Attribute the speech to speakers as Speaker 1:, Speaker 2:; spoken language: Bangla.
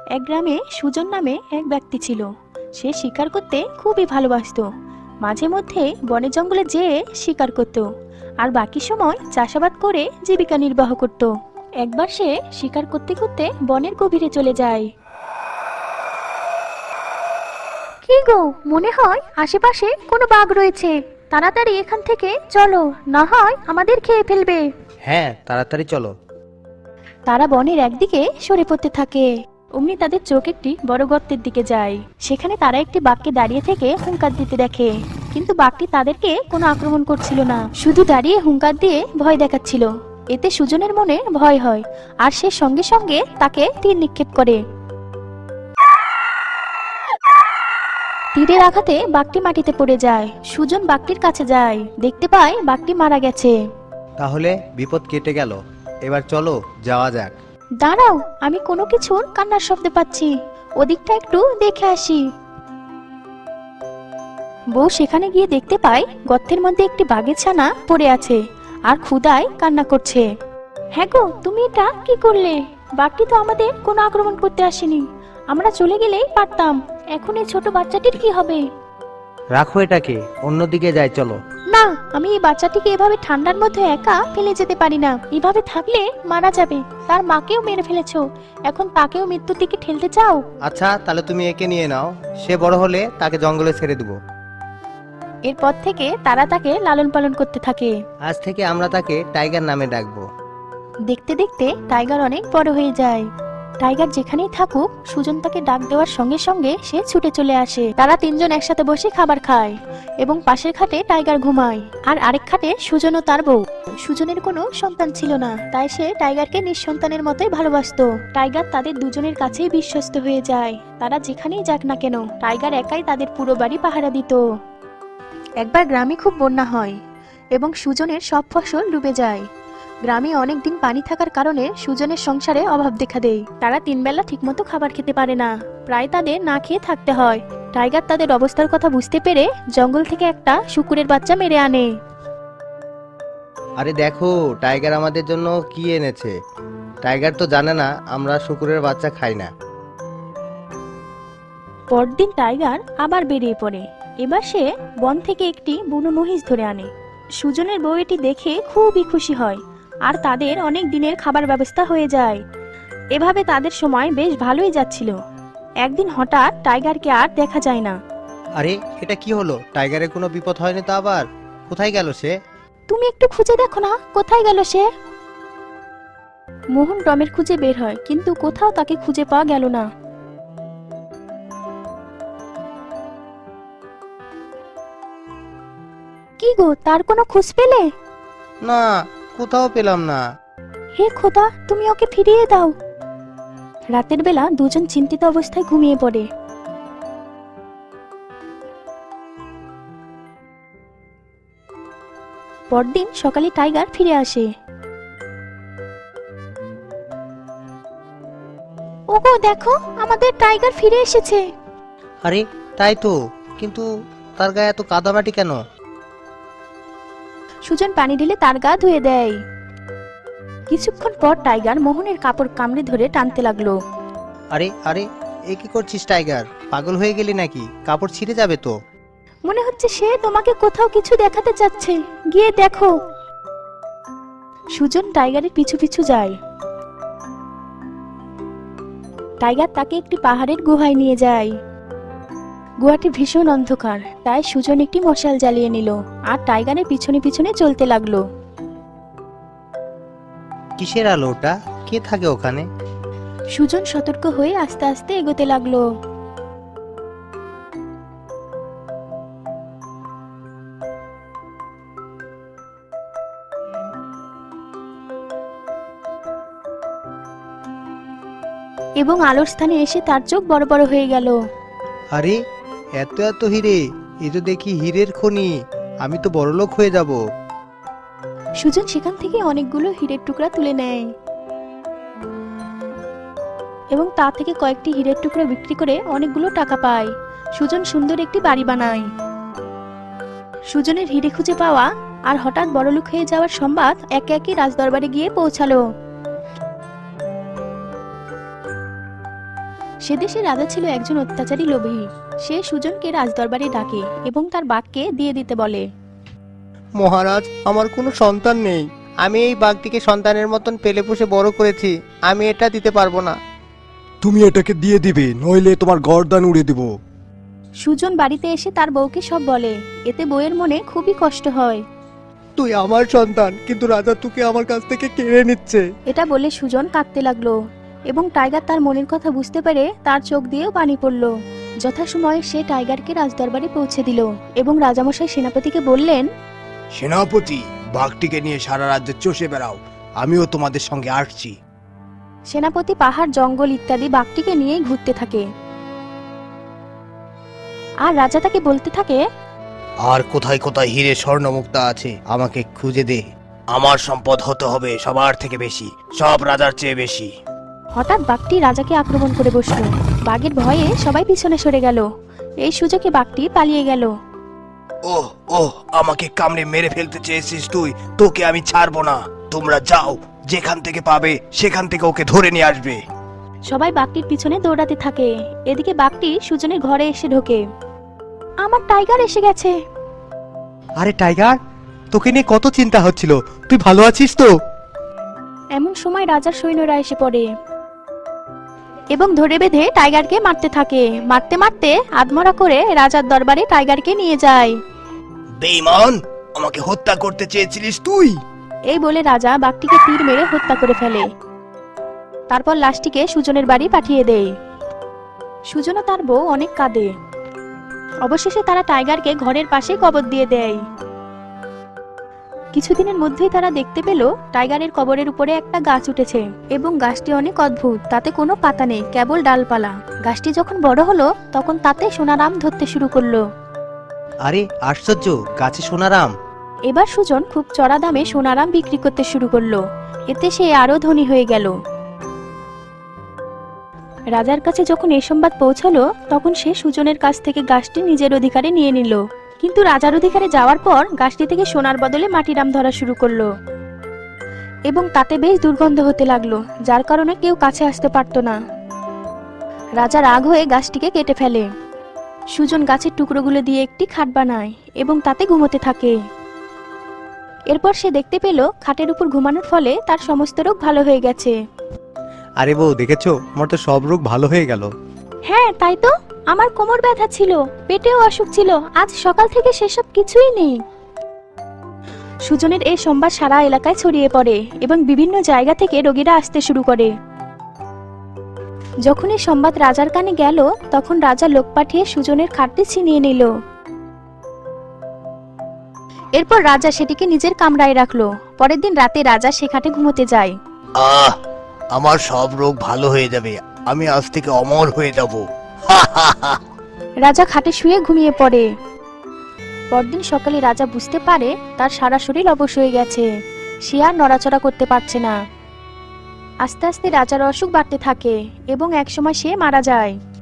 Speaker 1: এক গ্রামে সুজন নামে এক ব্যক্তি ছিল। সে শিকার করতে খুবই ভালোবাসতো। মাঝে মধ্যে বনে জঙ্গলে যেয়ে শিকার করত, আর বাকি সময় চাষাবাদ করে জীবিকা নির্বাহ করত। একবার সে শিকার করতে করতে বনের গভীরে চলে যায়। কি গো, মনে হয় আশেপাশে কোনো বাঘ রয়েছে। তাড়াতাড়ি এখান থেকে চলো, না হয় আমাদের খেয়ে ফেলবে।
Speaker 2: হ্যাঁ, তাড়াতাড়ি চলো।
Speaker 1: তারা বনের একদিকে সরে পড়তে থাকে। অমনি তাদের চোখ একটি বড় গর্তের দিকে যায়। সেখানে তারা একটি বাঘকে দাঁড়িয়ে থেকে হুঙ্কার দিতে দেখে, কিন্তু বাঘটি তাদেরকে কোনো আক্রমণ করছিল না, শুধু দাঁড়িয়ে হুঙ্কার দিয়ে ভয় দেখাচ্ছিল। এতে সুজনের মনে ভয় হয়, আর সে সঙ্গে সঙ্গে তাকে তীর নিক্ষেপ করে। তীরের আঘাতে বাঘটি মাটিতে পড়ে যায়। সুজন বাঘটির কাছে যায়, দেখতে পায় বাঘটি মারা গেছে।
Speaker 2: তাহলে বিপদ কেটে গেল, এবার চলো যাওয়া যাক।
Speaker 1: দাঁড়াও, আমি কোনো কিছুর কান্নার শব্দ পাচ্ছি, ওদিকটা একটু দেখে আসি। বউ সেখানে গিয়ে দেখতে পায় গর্তের মধ্যে একটি বাঘের ছানা পড়ে আছে আর ক্ষুধায় কান্না করছে। হ্যাঁ গো, তুমি এটা কি করলে? বাঘটি তো আমাদের কোনো আক্রমণ করতে আসেনি, আমরা চলে গেলেই পারতাম। এখন এই ছোট বাচ্চাটির কি হবে?
Speaker 2: রাখো এটাকে, অন্যদিকে যাই চলো।
Speaker 1: না, আমি এই বাচ্চাটিকে এভাবে ঠান্ডার মধ্যে একা ফেলে যেতে পারি না। এভাবে থাকলে মারা যাবে। তার মাকেও মেরে ফেলেছো, এখন তাকেও মৃত্যুর দিকে ঠেলতে চাও?
Speaker 2: আচ্ছা, তাহলে তুমি একে নিয়ে নাও, সে বড় হলে তাকে জঙ্গলে ছেড়ে দেবো।
Speaker 1: এরপর থেকে তারা তাকে লালন পালন করতে থাকে।
Speaker 2: আজ থেকে আমরা তাকে টাইগার নামে ডাকবো।
Speaker 1: দেখতে দেখতে টাইগার অনেক বড় হয়ে যায়। টাইগার যেখানেই থাকুক, সুজন তাকে ডাক দেওয়ার সঙ্গে সঙ্গে সে ছুটে চলে আসে। তারা তিনজন একসাথে বসে খাবার খায় এবং পাশের খাটে টাইগার ঘুমায়, আর আরেক খাটে সুজন ও তার বউ। সুজনের কোনো সন্তান ছিল না, তাই সে টাইগারকে নিঃসন্তানের মতোই ভালোবাসতো। টাইগার তাদের দুজনের কাছেই বিশ্বস্ত হয়ে যায়। তারা যেখানেই যাক না কেন, টাইগার একাই তাদের পুরো বাড়ি পাহারা দিত। একবার গ্রামে খুব বন্যা হয় এবং সুজনের সব ফসল ডুবে যায়। গ্রামে অনেক দিন পানি থাকার কারণে সুজনের সংসারে অভাব দেখা দেয়। তারা তিনবেলা ঠিকমতো খাবার খেতে পারে না, প্রায় তাদের না খেয়ে থাকতে হয়। টাইগার তাদের অবস্থার কথা বুঝতে পেরে জঙ্গল থেকে একটা শুকুরের বাচ্চা মেরে আনে।
Speaker 2: আরে দেখো, টাইগার আমাদের জন্য কি এনেছে। টাইগার তো জানে না আমরা শুকুরের বাচ্চা খাই না।
Speaker 1: পরদিন টাইগার আবার বেরিয়ে পড়ে। এবার সে বন থেকে একটি বুনো মহিষ ধরে আনে। সুজনের বউ এটি দেখে খুবই খুশি হয়, আর তাদের অনেক দিনের খাবার ব্যবস্থা হয়ে যায়। এভাবে তাদের সময় বেশ ভালোই যাচ্ছিল। একদিন হঠাৎ টাইগারকে আর দেখা যায় না।
Speaker 2: আরে, এটা কি হলো? টাইগারের কোনো বিপদ হয়নি তো আবার? কোথায় গেল সে?
Speaker 1: তুমি একটু খুঁজে দেখো না, কোথায় গেল সে? মোহন টমের খুঁজে বের হয়, কিন্তু কোথাও তাকে খুঁজে পাওয়া গেল না। কি গো, তার কোনো খোঁজ পেলে?
Speaker 2: না, কোথাও পেলাম না।
Speaker 1: হে খোদা, তুমি ওকে ফিরিয়ে দাও। রাতের বেলা দুজন চিন্তিত অবস্থায় ঘুমিয়ে পড়ে। পরদিন সকালে টাইগার ফিরে আসে। ওগো দেখো, আমাদের টাইগার ফিরে এসেছে।
Speaker 2: আরে তাই তো, কিন্তু তার গায়ে এত কাদামাটি কেন?
Speaker 1: সুজন পানি ঢেলে তার গা ধুয়ে দেয়। কিছুক্ষণ পর টাইগার মোহনের কাপড় কামড়ে ধরে টানতে লাগলো।
Speaker 2: আরে আরে, এ কি করছিস টাইগার? পাগল হয়ে গেলি নাকি? কাপড় ছিঁড়ে যাবে তো।
Speaker 1: মনে হচ্ছে সে তোমাকে কোথাও কিছু দেখাতে চাচ্ছে, গিয়ে দেখো। সুজন টাইগারের পিছু পিছু যায়। টাইগার তাকে একটি পাহাড়ের গুহায় নিয়ে যায়। গুহাটি ভীষণ অন্ধকার, তাই সুজন একটি মশাল জ্বালিয়ে নিল আর টাইগারের পিছনে পিছনে চলতে লাগলো।
Speaker 2: কিসের আলো ওটা? কে থাকে ওখানে?
Speaker 1: সুজন সতর্ক হয়ে আস্তে আস্তে এগোতে লাগলো। এবং আলোর স্থানে এসে তার চোখ বড় বড় হয়ে গেল।
Speaker 2: আরে, এত এত হিরে! এ তো দেখি হীরের খনি। আমি তো বড়লোক হয়ে যাব।
Speaker 1: সুজন সেখান থেকে অনেকগুলো হীরের টুকরা তুলে নেয় এবং তা থেকে কয়েকটি হীরের টুকরা বিক্রি করে অনেকগুলো টাকা পায়। সুজন সুন্দর একটি বাড়ি বানায়। সুজনের হিরে খুঁজে পাওয়া আর হঠাৎ বড়লোক হয়ে যাওয়ার সংবাদ একে একে রাজদরবারে গিয়ে পৌঁছালো। সে দেশে রাজা ছিল একজন অত্যাচারী লোভী। সে সুজনকে রাজদরবারে ডাকে এবং তার বাঘকে দিয়ে দিতে বলে।
Speaker 2: মহারাজ, আমার কোনো সন্তান নেই। আমি এই বাঘটিকে সন্তানের মতন পেলে পুষে বড় করেছি। আমি এটা দিতে পারবো না।
Speaker 3: তুমি এটাকে দিয়ে দিবে, নইলে তোমার গর্দান উড়ে দেব।
Speaker 1: সুজন বাড়িতে এসে তার বউকে সব বলে। এতে বউয়ের মনে খুবই কষ্ট হয়।
Speaker 2: তুই আমার সন্তান, কিন্তু রাজা তোকে আমার কাছ থেকে কেড়ে নিচ্ছে।
Speaker 1: এটা বলে সুজন কাঁদতে লাগলো এবং টাইগার তার মনের কথা বুঝতে পেরে তার চোখ দিয়েও পানি পড়ল। যথাসময়ে সে টাইগারকে রাজদরবারে পৌঁছে দিল এবং রাজামশাই সেনাপতিকে বললেন,
Speaker 3: সেনাপতি, বাঘটিকে নিয়ে সারা রাজ্যে চষে বেড়াও, আমিও তোমাদের সঙ্গে আসছি।
Speaker 1: সেনাপতি পাহাড়, জঙ্গল ইত্যাদি বাঘটিকে নিয়েই ঘুরতে থাকে। আর রাজা তাকে বলতে থাকে,
Speaker 3: আর কোথায় কোথায় হিরে স্বর্ণমুক্তা আছে আমাকে খুঁজে দে। আমার সম্পদ হতে হবে সবার থেকে বেশি, সব রাজার চেয়ে বেশি।
Speaker 1: হঠাৎ বাঘটি রাজাকে আক্রমণ করে বসল। বাঘের ভয়ে সবাই পিছনে সরে গেল। এই সুযোগে বাঘটি পালিয়ে গেল।
Speaker 3: ওহ ওহ, আমাকে কামড়ে মেরে ফেলতে চেয়েছিস তুই, তোকে আমি ছাড়বো না। তোমরা যাও, যেখান থেকে পাবে সেখান থেকে ওকে ধরে নিয়ে আসবে।
Speaker 1: সবাই বাঘটির পিছনে দৌড়াতে থাকে। এদিকে বাঘটি সুজনের ঘরে এসে ঢোকে। আমার টাইগার এসে গেছে।
Speaker 2: আরে টাইগার, তোকে নিয়ে কত চিন্তা হচ্ছিল, তুই ভালো আছিস তো?
Speaker 1: এমন সময় রাজার সৈন্যরা এসে পড়ে এবং ধরে বেঁধে টাইগারকে মারতে থাকে। মারতে মারতে আধমরা করে রাজার দরবারে টাইগারকে নিয়ে যায়।
Speaker 3: বেঈমান, আমাকে হত্যা করতে চেয়েছিলিস তুই?
Speaker 1: এই বলে রাজা বাঘটিকে তীর মেরে হত্যা করে ফেলে। তারপর লাশটিকে সুজনের বাড়ি পাঠিয়ে দেয়। সুজন ও তার বউ অনেক কাঁদে। অবশেষে তারা টাইগারকে ঘরের পাশে কবর দিয়ে দেয়। কিছুদিনের মধ্যেই তারা দেখতে পেল টাইগারের কবরের উপরে একটা গাছ উঠেছে এবং গাছটি অনেক অদ্ভুত। তাতে কোনো পাতা নেই, কেবল ডালপালা। গাছটি যখন বড় হলো তখন তাতে সোনারাম ধরতে শুরু করলো।
Speaker 2: আরে আশ্চর্য, গাছে সোনারাম!
Speaker 1: এবার সুজন খুব চড়া দামে সোনারাম বিক্রি করতে শুরু করলো। এতে সে আরো ধনী হয়ে গেল। রাজার কাছে যখন এই সংবাদ পৌঁছালো তখন সে সুজনের কাছ থেকে গাছটি নিজের অধিকারে নিয়ে নিল। কিন্তু রাজার অধিকারে যাওয়ার পর গাছটি থেকে সোনার বদলে মাটিরাম ধরা শুরু করলো এবং তাতে বেশ দুর্গন্ধ হতে লাগলো, যার কারণে কেউ কাছে আসতে পারতো না। রাজা রাগ হয়ে গাছটিকে কেটে ফেলে। সুজন গাছের টুকরোগুলো দিয়ে একটি খাট বানায় এবং তাতে ঘুমোতে থাকে। এরপর সে দেখতে পেল খাটের উপর ঘুমানোর ফলে তার সমস্ত রোগ ভালো হয়ে গেছে।
Speaker 2: আরে বউ, দেখেছো, আমার তো সব রোগ ভালো হয়ে গেল।
Speaker 1: হ্যাঁ, তাই তো। আমার কোমর ব্যথা ছিল, পেটেও অসুখ ছিল, আজ সকাল থেকে সেসব কিছুই নেই। সুজনের এই সংবাদ সারা এলাকায় ছড়িয়ে পড়ে এবং বিভিন্ন জায়গা থেকে রোগীরা আসতে শুরু করে। যখন এই সংবাদ রাজার কানে গেল তখন রাজা লোক পাঠিয়ে সুজনের খাটটি ছিনিয়ে নিল। এরপর রাজা সেটিকে নিজের কামরায় রাখলো। পরের দিন রাতে রাজা সে খাটে ঘুমোতে যায়।
Speaker 3: আহ, আমার সব রোগ ভালো হয়ে যাবে, আমি আজ থেকে অমর হয়ে যাব।
Speaker 1: রাজা খাটে শুয়ে ঘুমিয়ে পড়ে। পরদিন সকালে রাজা বুঝতে পারে তার সারা শরীর অবশ হয়ে গেছে। সে আর নড়াচড়া করতে পারছে না। আস্তে আস্তে রাজার অসুখ বাড়তে থাকে এবং একসময় সে মারা যায়।